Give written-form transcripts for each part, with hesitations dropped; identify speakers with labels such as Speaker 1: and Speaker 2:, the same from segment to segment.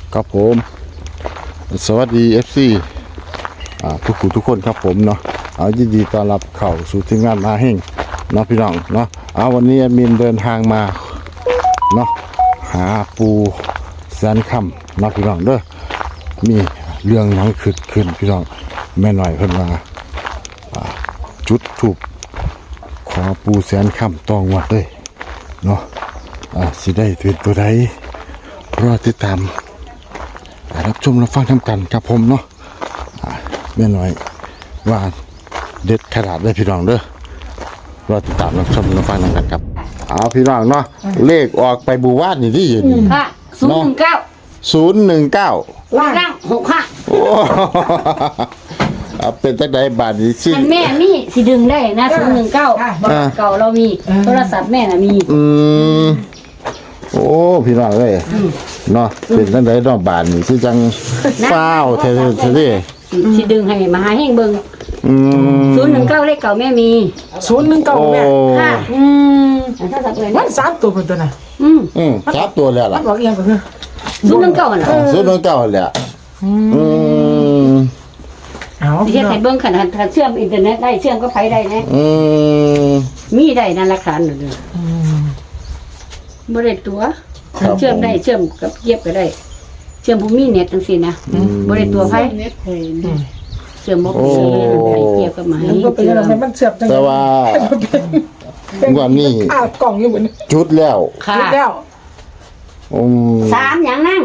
Speaker 1: ครับผมสวัสดี FC ทุกคนครับผมเนาะยินดีต้อนรับเข้าสู่ทีมงานมาเฮงเนาะพี่น้องเนาะวันนี้แอดมินเดินทางมาเนาะหาปูแสนคำเนาะพี่น้องเด้อมีเรื่องหยังขึ้นพี่น้องแม่หน่อยเพิ่นมาจุดถูกขอปูแสนคำต้องวัดเลยเนาะสิได้เป็นตัวใดรอติดตามรับชมรับฟังทำกันครับผมเนาะแม่น้อยว่าเด็ดขนาดได้พี่น้องเด้อรอติดตามรับชมรับฟังกันครับพี่น้องเนาะเลขออกไปบูวาดนี่ที่อยู่นี่
Speaker 2: ค่ะ019ล่าง65
Speaker 1: โอ้เป็นจังได๋บาดนี้สิ
Speaker 2: แม่มีสิดึงได้นะ019เก่าเรามีโทรศัพท์แม่น่ะมี
Speaker 1: โอ้พี่น้องเอ้ยเนาะเป็นจังได๋เนาะบาดนี้สิจังฟ้าวเท่
Speaker 2: สิดึงให้มาหาเฮงเบิ่ง019เลขเก่าแม่มี
Speaker 3: 019แม่
Speaker 2: ค่ะ
Speaker 3: มัน3ตัวตัวน่ะ
Speaker 1: 3ตัวแล้วล่ะ
Speaker 3: มันบอกอีหยังก็คือ
Speaker 2: 019น่ะ
Speaker 1: 019แหละ
Speaker 2: เอาเฮ็ดให้เบิ่งขนาดเชื่อมอินเทอร์เน็ตได้เชื่อมก็ไผได้นะมีได้นั่นหลักฐานนั่นบ่ได้ตัวเชื่อมได้เชื่อมกับเก็บก็ได้เชื่อมบ่มีเน็ตจังซี่นะบ่ได้ตัวไผเน็ตเชื่อมบ่มีได้เก็บกับมาให้
Speaker 3: มันก็เป็นอะไรมันเสียบจัง
Speaker 1: แต่ว่าวันนี้
Speaker 3: กล่องอยู่บน
Speaker 1: จุดแล้ว
Speaker 3: จุดแล้ว
Speaker 2: 3หยังนั่ง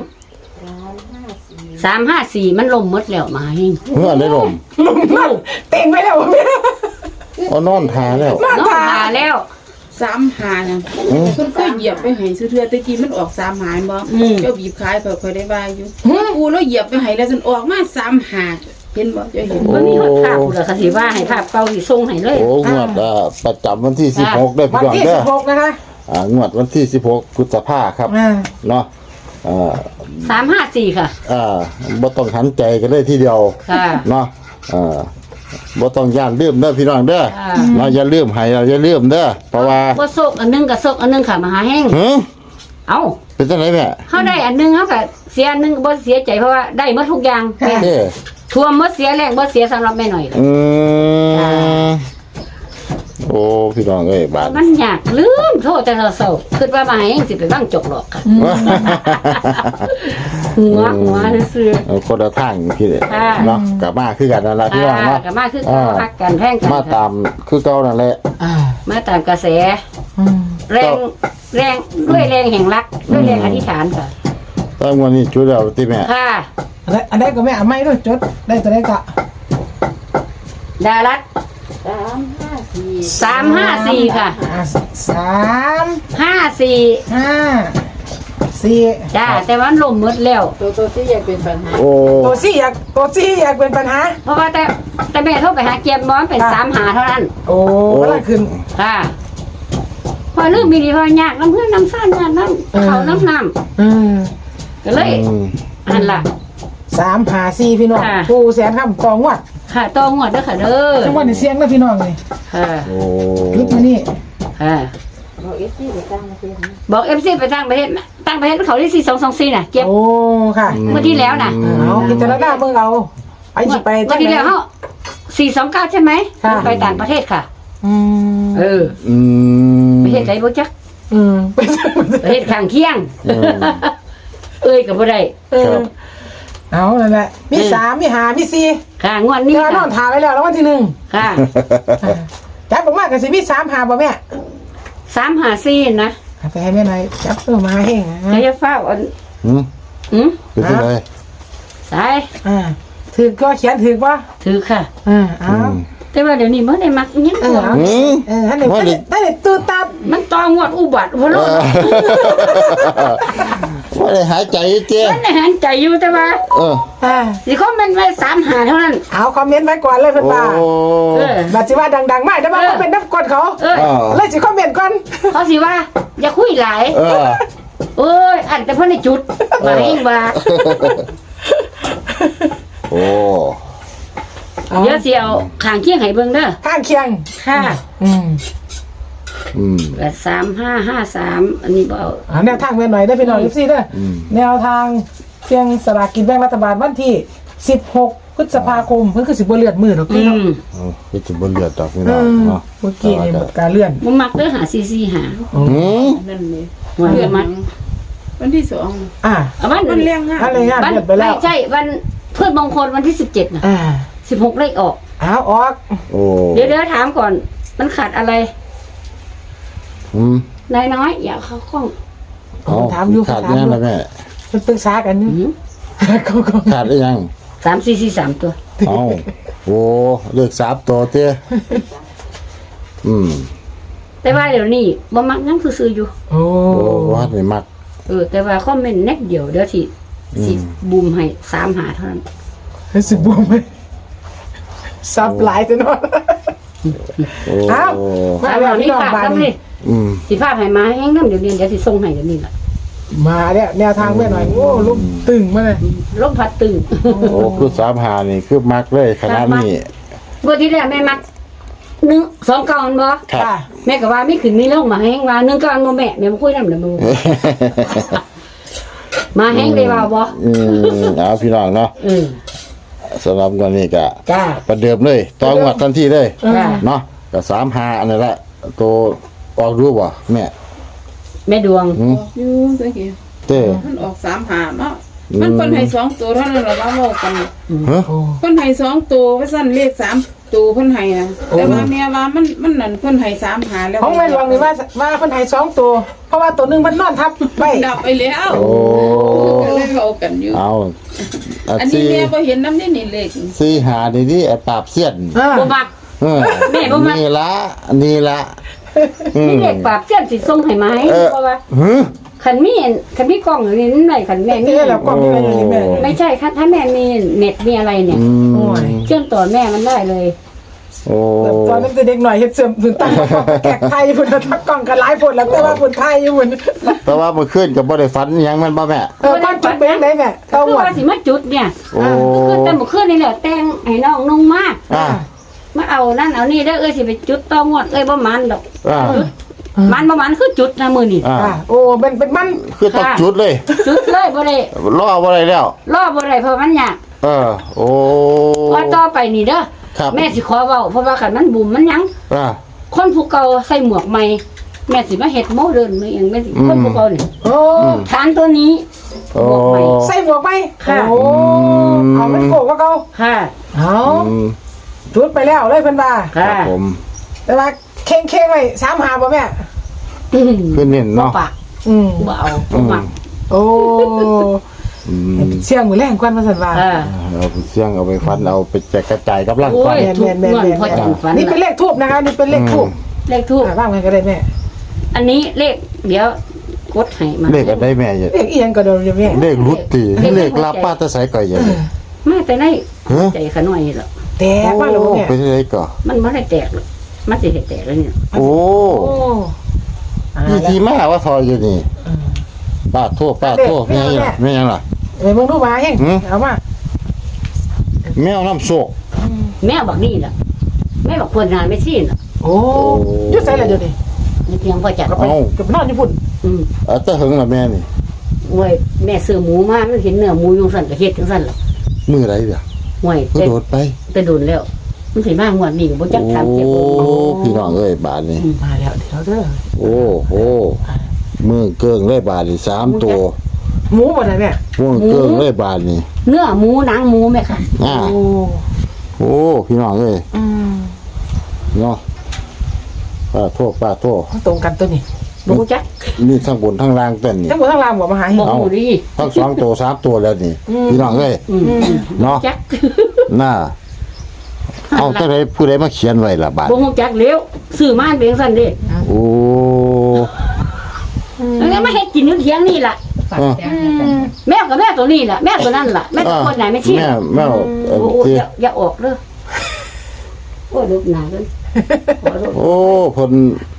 Speaker 2: 354มันล่มหมดแล้วมาให้
Speaker 1: เมื่อได้ล่ม
Speaker 3: เต็งไปแล้วแม่
Speaker 1: นอนทาแล้ว
Speaker 2: นอนทาแล้ว
Speaker 4: 35น่ะเพิ่นเคยเหยียบไปให้ซื่อเทื่อตะกี้มันออก35บ่เจ้าบีบขายค่อยได้ว่าอยู่กูแล้วเหยียบไปให้แล้วจนออกมา35เห็นบ่เจ้าเห็น
Speaker 2: มันมีฮอดภาพพุ่นล่ะค่ะสิว่าให้ภาพเก่าสิส่งให้เลย
Speaker 1: งวดประจำวันที่16ได้พี่น้องเด้อ
Speaker 3: วันที่16นะคะ
Speaker 1: งวดวันที่16พฤษภาคมครับเนาะ
Speaker 2: 354ค่ะ
Speaker 1: บ่ต้องหันใจกันเลยทีเดียวเนาะบ่ต้องย่านลืมเด้อพี่น้องเด้อเนาะอย่าลืมให้เราอย่าลืมเด้อเพราะว่า
Speaker 2: บ่ซกอันนึงก็ซกอันนึงค่ะมหาแห้งเอ้า
Speaker 1: เป็นจังได๋แม่
Speaker 2: เฮาได้อันนึงเฮาก็เสียอันนึงบ่เสียใจเพราะว่าได้หมดทุกอย่างท่วมบ่เสียแรงบ่เสียสำหรับแม่หน่อย
Speaker 1: โอ้พี่น้องเอ้ยบาด
Speaker 2: มันยากลืมโทษแต่เศร้าคิดว่ามาแห้งสิไปวางจกหรอกค่ะหัวซื่อ
Speaker 1: คนละทางพี่เนาะกลับมาคือกันนั่นล่ะพี่น้องเนาะ
Speaker 2: กลับมาคือพักกันแพงกัน
Speaker 1: มาตามคือเก่านั่นแหละ
Speaker 2: มาตามกระแสแรงด้วยแรงแห่งรักด้วยแรงอธิษฐานค่ะ
Speaker 1: ตอนวันนี้จุดแล้วติแม่
Speaker 2: ค่ะ
Speaker 3: อันใดก็แม่เอาไม้ด้วยจดได้ตัวใดก็
Speaker 2: ดารัต354ค่ะ354จ้าแต่ว่าลมหมดแล้ว
Speaker 4: ตัวที่อยากเป็นปัญหา
Speaker 3: ตัวที่อยากเป็นปัญหา
Speaker 2: เพราะว่าแต่แม่โทรไปหาเกียร์บอลเป็น35เท่านั้น
Speaker 3: โอ้ละขึ้น
Speaker 2: ค่ะพอลืมมีดีพอยากน้ำเพื่อนน้ำซ่านน้ำเขาน้ำก็เลยอันละ
Speaker 3: 354พี่น้องผู้แสนคำกองวัด
Speaker 2: ค่ะตองวดเด้อค่ะเด้อ
Speaker 3: จังหวัดเสียงนะพี่น้องเลย
Speaker 2: ค่ะ
Speaker 1: โอ้
Speaker 3: ลึกมานี่
Speaker 2: ค่ะบอก FC ไปตั้งประเทศเขาที่4224น่ะเก็บ
Speaker 3: โอ้ค่ะ
Speaker 2: เมื่อที่แล้วน่ะ
Speaker 3: เอาพิจารณาเบิ่งเอาไปสิไป
Speaker 2: เมื่อที่แล้วเฮา429ใช่ไหมไปต่างประเทศค่ะประเทศไหนบ่จักประเทศข้างเคียงก็บ่ได้
Speaker 3: เอานั่นแหละมี3มี5มี4
Speaker 2: ค่ะงวดนี้
Speaker 3: ค่ะนอนทาไว้แล้ววันที่1
Speaker 2: ค่ะ
Speaker 3: จับออกมาก็สิมี3 5บ่แม่
Speaker 2: 354นะ
Speaker 3: ไปให้แม่หน่อยจับตัวมาให้
Speaker 2: จะฟ้าอัน
Speaker 1: เป็นจังได๋
Speaker 2: สาย
Speaker 3: ถือก็เขียนถือบ่
Speaker 2: ถือค่ะ
Speaker 3: เอา
Speaker 2: แต่ว่าเดี๋ยวนี้บ่ได้มักยัง
Speaker 3: ท่านได้ตื่นตา
Speaker 2: มันตองวดอุบัติบ่รู้
Speaker 1: ว่าได้หายใจเจ้
Speaker 2: มันได้หายใจอยู่แต่ว่าสิคอมเมนต์ไว้35เท่านั้น
Speaker 3: เอาคอมเมนต์ไว้ก่อนเลยเพิ่นว่าบัดสิว่าดังๆมากแต่ว่าเขาเป็นน้ำกดเขาเลยสิคอมเมนต์ก่อน
Speaker 2: เขาสิว่าอย่าคุยหลายเอ้ยอันแต่เพิ่นได้จุดมาเองว่า
Speaker 1: โอ้
Speaker 2: เดี๋ยวสิเอาข้างเคียงให้เบิ่งเด้อ
Speaker 3: ข้างเคียง
Speaker 2: ค่ะ3553อันนี้บ่เอา
Speaker 3: แนวทางแม่หน่อยได้พี่น้อง FC เด้อแนวทางสี่ยงสลากกินแบ่งรัฐบาลวันที่16พฤษภาคมเพิ่นคือสิบ่เลื่อนมือดอก
Speaker 2: อื
Speaker 3: เนาะ
Speaker 2: ม
Speaker 1: คือจะบนเลือดดอกพี่น้องเนาะ
Speaker 3: เมื่อกี้นี่หมดการเลื่อน
Speaker 2: บ่มักเด้อหาซีหา
Speaker 4: นั่นเลย
Speaker 2: วัน
Speaker 4: เดือน
Speaker 2: มัก
Speaker 4: วันที่สอง
Speaker 3: อ่า
Speaker 2: เอาวัน
Speaker 4: มันแรงงาน
Speaker 3: อะไรงาน
Speaker 2: วัน
Speaker 3: เลื่อนไปแล้ว
Speaker 2: ไม่ใช่วันเพื่อนมงคลวันที่17น่ะ
Speaker 3: อ่า
Speaker 2: 16เลขออก
Speaker 3: อ้าวออก
Speaker 1: โอ้
Speaker 2: เดี๋ยวถามก่อน มันขาดอะไร
Speaker 1: อืม
Speaker 2: นายน้อย อย่าเข้าข้อง
Speaker 3: ถามอยู่
Speaker 1: ขาด
Speaker 3: ถาม
Speaker 1: ยัง
Speaker 3: อยู่
Speaker 1: ล่ะแม่
Speaker 3: มันปรึกษากันอยู่
Speaker 2: อืม
Speaker 3: เขา
Speaker 1: ขาดได้ยัง
Speaker 2: 3 ตัว
Speaker 1: เอาโอ้เลข3ตัวเต้อืม
Speaker 2: แต่ว่าเดี๋ยวนี้บ่มักยังซื่อๆอยู่
Speaker 3: โอ้
Speaker 1: โอ้วัดนี่มัก
Speaker 2: แต่ว่าคอมเมนต์แน็กเดียวเดี๋ยวสิบูมให้3หาเท่านั้น
Speaker 3: ให้สิบวมไหมซับหลายจังเนาะ
Speaker 1: โอ้
Speaker 3: อ้าว มา
Speaker 2: สาม
Speaker 3: แล้
Speaker 2: หาว นี่
Speaker 3: พี่น้อง
Speaker 2: ฝาก
Speaker 3: บ้าน
Speaker 2: นำ
Speaker 3: นี้
Speaker 2: นี่
Speaker 1: อืม
Speaker 2: สิพาให้มาแห้งนำเดี๋ยวสิส่งให้เดี๋ยวนี้ล่ะ
Speaker 3: มาแล้วแนวทางแม่หน่อยโอ้ลูกตึงมาเลย
Speaker 2: ลมพัดตึง
Speaker 1: โอ้คือ3-5นี่คือมักเลยขนาดนี้
Speaker 2: เมื่อที่แล้วแม่มัก2 เก่ามันบ่
Speaker 1: ครับ
Speaker 3: ค่ะ
Speaker 2: แม่ก็ว่ามีขึ้นมีลงมาแห้งว่า1 เก่าบ่แม่บ่คุยนำเด้อมึงมาแห้งได้ว่าบ่
Speaker 1: เอาพี่น้องเนาะ
Speaker 2: อือ
Speaker 1: สำหรับวันนี้ก็
Speaker 2: จ้า
Speaker 1: ประเดิมเลยต่องวดทันทีเลย
Speaker 2: จ้า
Speaker 1: เนาะก็3-5อันนี้แหละตัวออกรู้บ่แม่
Speaker 2: แม่ดวง
Speaker 1: หืม
Speaker 4: อยู่ตะกี้
Speaker 1: เต้
Speaker 4: มันออก3 หาเนาะมันเพิ่นให้2ตัวเท่านั้นล่ะว่าเว้ากัน
Speaker 1: ฮะ
Speaker 3: โอ้
Speaker 4: เพิ่นให้2ตัวว่าซั่นเลข3ตัวเพิ่นให้นะแต่ว่าแม่ว่ามันนั่นเพิ่นให้3 หาแล้ว
Speaker 3: ของแม่หลวงนี่ว่าคนไทย2ตัว เพราะว่าตัวหนึงมันนอนทับไว้
Speaker 4: ดับไปแล้ว
Speaker 1: โอ้
Speaker 4: ก็เลยเว้ากันอยู่
Speaker 1: เอา
Speaker 4: อันนี้แม่บ่เห็นนำนี่เลข
Speaker 1: 4-5นี่ไอ้ปราบเสี้ยน
Speaker 3: อ่า
Speaker 2: บ่มัก
Speaker 1: เออ
Speaker 2: แม่บ่มัก
Speaker 1: นี่ละนี่ละอืม
Speaker 2: นี่เด็กปราบเจ้าสิส่งให้มาให้
Speaker 1: เออ
Speaker 2: เพราะว่า
Speaker 1: ฮึ
Speaker 2: คันมีกล้องอยู่นี่นั่นไหนคันแม่มี
Speaker 3: นี่แหละกล้องที่แม่อยู่นี่แม่
Speaker 2: ไม่ใช่ถ้าแม่มีเน็ตมีอะไรเนี่ย
Speaker 1: อืม
Speaker 3: โอ้ย
Speaker 2: เชื่อมต่อแม่มันได้เลย
Speaker 1: โอ้
Speaker 3: ตอนนั้นเด็กหน่อยเฮ็ดเสื่อมถึงตั้งแขกไทยพุ่นทักกล้องกันหลายพุ่นแล้วแต่ว่าพุ่นไทยอยู่พุ่น
Speaker 1: แต่ว่าเมื่อคืนก็บ่ได้ฝันหยังแม่นบ่แม่
Speaker 3: บ้านจุดเป็นจังไดแม่
Speaker 2: คื
Speaker 3: เต้า
Speaker 2: อ
Speaker 3: หวด
Speaker 2: ว่าสิมาจุดเนี่ย
Speaker 1: โอ้
Speaker 2: คือแต่เมื่อคืนนี่แหละแต่งให้น้องนุ่งมาก
Speaker 1: อ่า
Speaker 2: มาเอานั่นเอานี่เด้อสิไปจุดต่องวดบ่มันดอก
Speaker 1: อ่า
Speaker 2: มันบ่มันคือจุดนะมื้อนี้
Speaker 1: อ่า
Speaker 3: อ่าโอ้เป็นมัน
Speaker 1: คือต้องจุดเลย
Speaker 2: จุดเลยบ่ได้
Speaker 1: รอบ่ได้แล้ว
Speaker 2: รอบ่ได้เพราะมันยาก
Speaker 1: เออ โอ้
Speaker 2: ว่าต่อไปนี่เด้อ
Speaker 1: ครับ
Speaker 2: แม่สิขอเว้าเพราะว่าคันมันบุ่มมันหยัง
Speaker 1: อ่า
Speaker 2: คนผู้เก่าใส่หมวกใหม่แม่สิมาเฮ็ดโมเดิร์นมาอย่างแม่สิคนผู้เก่านี่
Speaker 3: โอ้
Speaker 2: ฐานตัวนี้
Speaker 1: โอ้
Speaker 2: บวกใหม่
Speaker 3: ใส่หมวกไหม
Speaker 2: ค่ะ
Speaker 3: โอ้เอามันโกกว่าเก่า
Speaker 2: ค่ะ
Speaker 3: เอา
Speaker 1: อืม
Speaker 3: จุดไปแล้วเลยเพิ่นว่า
Speaker 1: ครั
Speaker 2: ค่ะ
Speaker 1: บผม
Speaker 3: แต่ว่าเข่งไว้3-5บ่แม่
Speaker 1: คือเน้นเนาะ
Speaker 2: ปาก
Speaker 3: อืม
Speaker 2: บ่เอาบ่มัก
Speaker 3: โอ้
Speaker 1: อืม
Speaker 3: เสียงมือแรงกว่ามาสั่นว่า
Speaker 2: ค่ะ
Speaker 1: เอาไปเสี่ยงเอาไปฟันเอาไปแจกกระจายกับร่าง
Speaker 2: โอ้
Speaker 1: ฟัน
Speaker 2: ยทุกเงินพอจังฝัน
Speaker 3: นี่เป็นเลขทูบนะคะนี่เป็นเลขทูบ
Speaker 2: เลขทูบ
Speaker 3: ว่างไว้ก็ได้แม่
Speaker 2: อันนี้เลขเดี๋ยวกดให้มา
Speaker 1: เลขอะไรแม่อย่า
Speaker 3: เลขอีหยังก็เดี๋ยวแม่
Speaker 1: เลขรุดตีเลขลับป้าตะไสก่อยอย่างนี้
Speaker 2: มาแต่ใน
Speaker 1: ฮะ
Speaker 2: ใจขะน้อยนี่แหละ
Speaker 3: แตกว่าแล้วบ่แม่
Speaker 1: เป็นอะไรก่อ
Speaker 2: มันบ่ได้แตกหรอกมันสิให้แตกแล้วเนี่ย
Speaker 1: โอ้
Speaker 3: โอ้อ่า
Speaker 1: พี่
Speaker 3: แล้ว
Speaker 1: ทีมาว่าทอยอยู่นี่ป้าโทษแม่ยังแม่ยังล่ะ
Speaker 3: เอ้ยมึงดูมาเฮง
Speaker 1: หืม
Speaker 3: เอามา
Speaker 1: แมวน้ำโชค
Speaker 2: แม่บอกนี่ล่ะแม่บอกควรงานไม่ชี้น่ะ
Speaker 3: โอ้อยุ่ใส่ละเดี๋ยวนี้
Speaker 2: นี่เพียงพอจัด
Speaker 3: ก็ไปกับนอนญี่ปุ่น
Speaker 1: เอาแตะหึงล่ะแม่นี่
Speaker 2: โอ้ยแม่ซื้อหมูมามันเห็นเนื้อหมูอยู่สั่นก็เฮ็ดจังสั่นล่ะ
Speaker 1: มือไรเดี๋ยว
Speaker 2: ห่วย
Speaker 1: ก็โดดไป
Speaker 2: แต่โดนแล้ว มันสิมางวดนี้ก็บ่จักถามเจ็บบ่
Speaker 1: โอ้พี่น้องเอ้ยบาทนี่
Speaker 3: มาแล้วเดี๋ยวเด้อ
Speaker 1: โอ้โหมือเกิงเลยบาทนี่3ตัว
Speaker 3: หมูบ่ได้แม่
Speaker 1: มือเกิงเลยบาทนี่
Speaker 2: เนื้อหมูหนังหมูแม่ค่ะ
Speaker 1: อ่า
Speaker 3: โอ้
Speaker 1: โอ้พี่น้องเอ้ย
Speaker 3: อืม
Speaker 1: เนาะป้าโทษ
Speaker 3: ตรงกันตัวนี้
Speaker 2: บ่รู้จัก
Speaker 1: นี่ทั้งบนทั้งล่างเต้นนี่
Speaker 3: ทั้งหมดทั้งรามบ่มาหาเฮ
Speaker 2: บ่
Speaker 3: ง
Speaker 2: ฮู้ดี
Speaker 1: ทั้ง2ตัว3ตัวแล้วนี่พี่น้องเอ้ย
Speaker 2: อืม
Speaker 1: เนาะ
Speaker 2: จัก
Speaker 1: น่าเอาแต่ใดผู้ใดมาเขียนไว้ล่ะบาท
Speaker 2: บ่ฮู้จักแล้วซื้อมาเป็นจังซั่นเด้
Speaker 1: โอ้
Speaker 2: แล้วมาเฮ็ดกินอยู่เถียงนี่ล่ะ
Speaker 1: อ่ะ
Speaker 2: แม่ก็แม่ตัวนี้ล่ะแม่ตัวนั้นล่ะแม่ตัวคนไหนไม่ชี้
Speaker 1: แม่เอ่อ
Speaker 2: โอ้
Speaker 1: ที่
Speaker 2: อย่าออกเด้อโอ้ยลูกหนาเด้อขอโทษ
Speaker 1: โอ้เพิ่น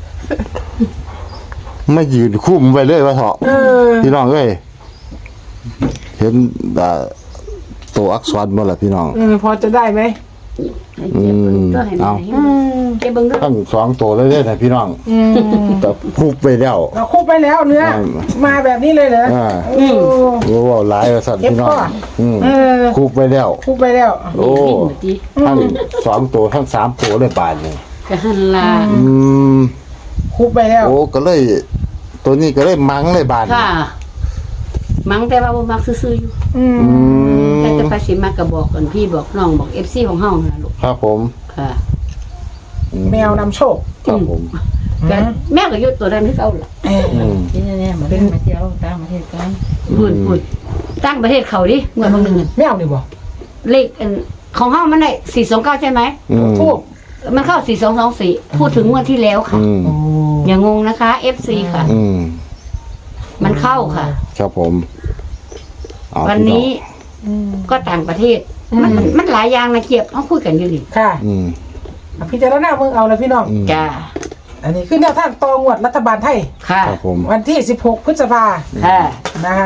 Speaker 1: ไม่ยืนคุ้มไว้เลยว่าเถาะ
Speaker 3: เออ
Speaker 1: พี่น้องเอ้ยเห็นตัวอักษรบ่ล่ะพี่น้อง
Speaker 3: พอจะได้ไหม
Speaker 2: ให้เก็บเบิ่งตัวให้แม่ให้เก็บเบิ่งด้วย
Speaker 1: ทั้งสองตัวเลยเด้อนะพี่น้องแต่คุบไปแล้ว
Speaker 3: เราคุบไปแล้วเนื้อมาแบบนี้เลยเหรอ
Speaker 1: รู้ว่าหลายสัตว์พี่น้องคุบไปแล้ว
Speaker 3: คุบไปแล้ว
Speaker 1: โอ้ทั้งสองตัวทั้งสามตัวเลยบาทนี่
Speaker 2: ก็หันลา
Speaker 3: คุบไปแล้ว
Speaker 1: โอ้ก็เลยตัวนี้ก็เลยมังเลยบาท
Speaker 2: ค่ะมังแต่ว่าบ่มักซื่อๆอยู่แต่จะไปสิมากก็บอกกันพี่บอกน้องบอก FC ของเฮานั่นลูก
Speaker 1: ครับผม
Speaker 2: ค่ะ
Speaker 3: แมวนำโชค
Speaker 1: ครับผม
Speaker 2: ก็แม่ก็อยู่ตัวนั้นคือเก่าล่ะ
Speaker 5: ที่เนี่ยมาเล่นมาเที่ยวต่างประเทศกัน
Speaker 2: พูดตั้งประเทศเขาดิเมื่อบางนึง
Speaker 3: แมวนี่บ่
Speaker 2: เลขของเฮามันได้429ใช่ไหม
Speaker 3: ทูบ
Speaker 2: มันเข้า4224พูดถึงงวดที่แล้วค่ะ อย่างงงนะคะ FC ค่ะ มันเข้าค่ะ
Speaker 1: ครับผมเอา
Speaker 2: วันนี้ก็ต่างประเทศ มันหลายอย่างนะเกียบเอาคุยกันอยู่นี่
Speaker 3: ค่ะ
Speaker 1: อืม
Speaker 3: พิจารณาเมืองเอาเลยพี่น้อง
Speaker 2: จ้า
Speaker 3: อันนี้คือแนวทางตองวดรัฐบาลไทย
Speaker 2: ค่ะ
Speaker 1: ครับผม
Speaker 3: วันที่16พฤษภา
Speaker 2: ค่ะ
Speaker 3: นะคะ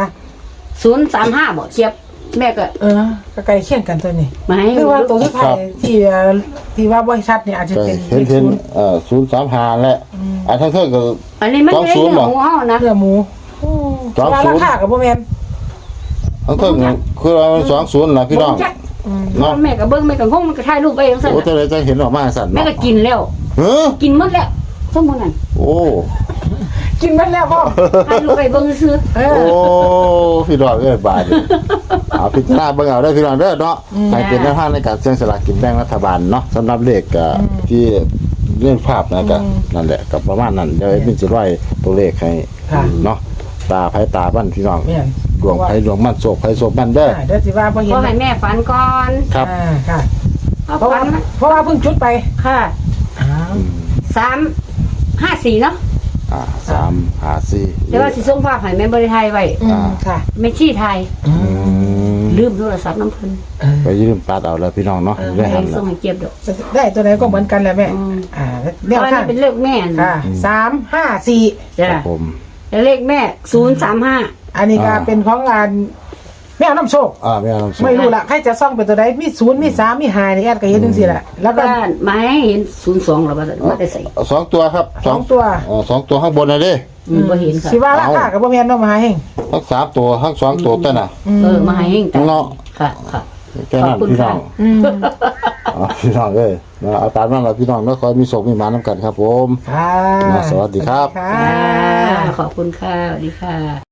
Speaker 2: 035บอกเกียบแม่ก็
Speaker 3: ก็ใกล้เคียงกันตัวนี้
Speaker 2: ไม่
Speaker 3: คือว่าตัวสุดท้ายที่ว่าบริษัทเนี่ยอาจจะ
Speaker 1: ก็
Speaker 3: เป็น
Speaker 1: เห็น
Speaker 3: เลขศูนย์
Speaker 1: 035แหละทั้งเท่าก็
Speaker 2: อันนี้มันไม่ได้เรื่องของเฮานะ
Speaker 3: เนื้อหมูราคากับโบแมน
Speaker 1: ทั้งเท่าคือเรา20ล่ะพี่น้อง
Speaker 2: เนาะแม่ก็เบิ่งแม่ก็งงมันก็ถ่ายรูปไปจังซั่น
Speaker 1: โอ้แต่เลยจะเห็นออกมาสั่น
Speaker 2: แม่ก็กินแล้ว
Speaker 1: เฮ้อ
Speaker 2: กินหมดแล้วสมมุตินั่น
Speaker 1: โอ้
Speaker 3: กินมันแล้วพ่อ
Speaker 2: ถ่ายรูปไปเบิ่งซื่อ
Speaker 3: เอ
Speaker 1: โอ้
Speaker 3: อ
Speaker 1: พี่ดอกเอ้ยบาดนี่เอาพิจารณาเบิ่งเอาได้อพี่น้องเด้อเนาะให้เป็นแนวทางในการเสี่ยงสลากกินแบ่งรัฐบาลเนาะสำหรับเลขที่เรื่องภาพนะก็นั่นแหละกับประมาณนั้นเดี๋ยวเป็นสิร้อยตัวเลขให้เนาะตาไผตาบ้านพี่น้อง
Speaker 3: แม่น
Speaker 1: ดวงไผดวงมันโศกไผโศกมันเด้อ
Speaker 3: เดี๋ยวสิว่าบ่
Speaker 2: ๆ
Speaker 3: เห็น
Speaker 2: ขอให้แม่ฝันก่อน
Speaker 1: ครับ
Speaker 3: ค่ะ
Speaker 2: เอา
Speaker 3: เพราะ
Speaker 2: ฝั
Speaker 3: ว่าน เพราะว่าเพิ่งจุดไป
Speaker 2: ค่ะ354เนาะ
Speaker 1: 3 5 4
Speaker 2: แต่ว่าสิส่งภาพให้แม่บ่ได้ถ่ายไว้
Speaker 3: ค่ะ
Speaker 2: แม่ชี้ถ่ายลืมโทรศัพท์น้ำเพิ่น
Speaker 1: ไปยืมตัดเอาแล้วพี่น้องเนาะได้
Speaker 2: ให้
Speaker 1: หัน
Speaker 2: ส่งให้เก็บดอก
Speaker 3: ได้ตัวไหนก็เหมือนกันแหละแม่แนว
Speaker 2: อัน
Speaker 3: ทา
Speaker 2: นี้
Speaker 3: ง
Speaker 2: เป็นเลขแม่น
Speaker 3: ค่ะ354
Speaker 2: จ้ะ
Speaker 1: ครับผม
Speaker 2: แล้วเลขแม่035
Speaker 3: อันนี้ก็เป็นของงานแมวน้ำโชค
Speaker 1: ไม่เอาน้ำส้ม
Speaker 3: ไม่รู้ละใครจะซ่องเป็นตัวใดมี0มี3มี5นี่แอดก็เห็นจังซี่แหละแล้วก็
Speaker 2: บ้านไม้เห็น02หรอว่าว่าได้ใส่
Speaker 1: สองตัวครับ
Speaker 3: สองตัว
Speaker 1: สองตัวข้างบนนะเด้
Speaker 2: บ่เห็นค่ะ
Speaker 3: สิว่าราคาก็บ่แม่นเนาะมหาเฮง
Speaker 1: ทั้ง3ตัวทั้ง2ตัวแต่น่ะ
Speaker 2: มาให้เฮงจ้ะ
Speaker 1: เนาะ
Speaker 2: ค่ะค่ะ
Speaker 1: แค่นั้น
Speaker 2: ขอบคุณ
Speaker 1: พี่น้อง
Speaker 2: ค่ะ
Speaker 1: พี่น้องเอ้ยเอาตามนั้นแหละพี่น้องแล้วคอยมีโศกมีหมาน้ำกันครับผม
Speaker 3: ค่ะ
Speaker 1: สวัสดีครับ
Speaker 3: ค่ะ
Speaker 2: ขอบคุณค่ะสวัสดีค่ะ